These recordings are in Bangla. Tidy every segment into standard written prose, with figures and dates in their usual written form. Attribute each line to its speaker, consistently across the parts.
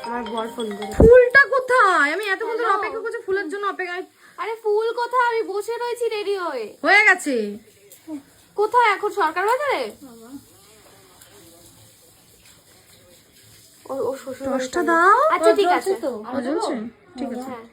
Speaker 1: আমার বর ফোন করে।
Speaker 2: ফুলটা কোথায়? আমি এতক্ষণ ধরে অপেক্ষা করছি ফুলের জন্য অপেক্ষায়।
Speaker 1: আরে ফুল কোথায়? আমি বসে রয়েছি রেডি হয়ে।
Speaker 2: হয়ে গেছে।
Speaker 1: কোথায় এখন? সরকার বাজারে? ও শ্বশুর
Speaker 2: দশটা দাও।
Speaker 1: আচ্ছা ঠিক আছে তো।
Speaker 2: জ্বলছে? ঠিক আছে।
Speaker 1: হ্যাঁ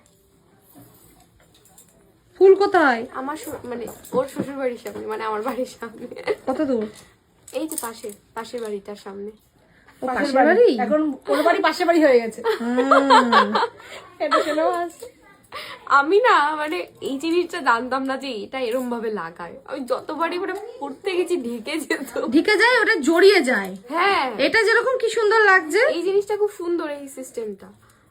Speaker 2: ফুল কোথায়?
Speaker 1: আমার মানে ওর শ্বশুর বাড়ির সামনে, মানে আমার বাড়ির সামনে।
Speaker 2: কত দূর?
Speaker 1: এই যে পাশের বাড়িটার সামনে।
Speaker 2: ও পাশের বাড়ি?
Speaker 3: এখন ওর বাড়ি পাশের বাড়ি হয়ে গেছে। এটা কেন আছে?
Speaker 1: আমি না মানে এই জিনিসটা জানতাম না যে এটা এরম ভাবে লাগায়। আমি যতবারই মানে পড়তে গেছি ঢেকে যেত।
Speaker 2: ঢেকে যায়, ওটা জড়িয়ে যায়।
Speaker 1: হ্যাঁ
Speaker 2: এটা যেরকম কি সুন্দর লাগছে।
Speaker 1: এই জিনিসটা খুব সুন্দর, এই সিস্টেমটা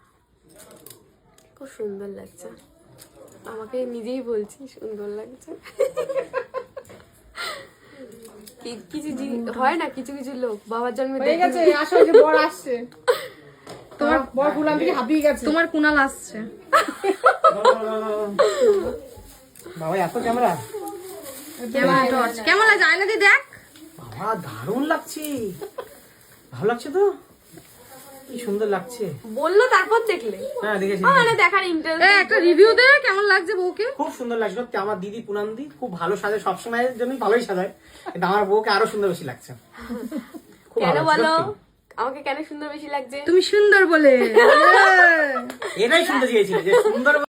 Speaker 1: খুব সুন্দর লাগছে। আমাকে নিজেই বলছি সুন্দর লাগছে। কিছু হয় না, কিছু কিছু লোক বাবার জন্মে
Speaker 3: হয়ে গেছে, আসো যে বর আসছে। তোমার বর ফুলান থেকে হাঁপিয়ে গেছে।
Speaker 2: তোমার কুনাল আসছে।
Speaker 4: বাবা এত ক্যামেরা
Speaker 2: কেমন লাগছে? আয়না দিয়ে দেখ।
Speaker 4: বাবা দারুণ লাগছে, ভালো লাগছে তো, কি সুন্দর লাগছে।
Speaker 1: বললো তারপর দেখলে?
Speaker 4: হ্যাঁ দেখেছি,
Speaker 1: মানে দেখার ইন্টারেস্ট।
Speaker 2: একটা রিভিউ দে কেমন লাগছে বউকে।
Speaker 4: খুব সুন্দর লাগছে সত্যি। আমার দিদি পুনান্দি খুব ভালো সাজে, সবসময়ের জন্যই ভালোই সাজায়, কিন্তু আমার বউকে আরো সুন্দর বেশি লাগছে। খুব
Speaker 1: কেন
Speaker 4: ভালো,
Speaker 1: বলো?
Speaker 4: সত্যি।
Speaker 1: আমাকে কেন সুন্দর বেশি লাগছে?
Speaker 2: তুমি সুন্দর বলে।
Speaker 4: এটাই শুনতে চেয়েছি যে সুন্দর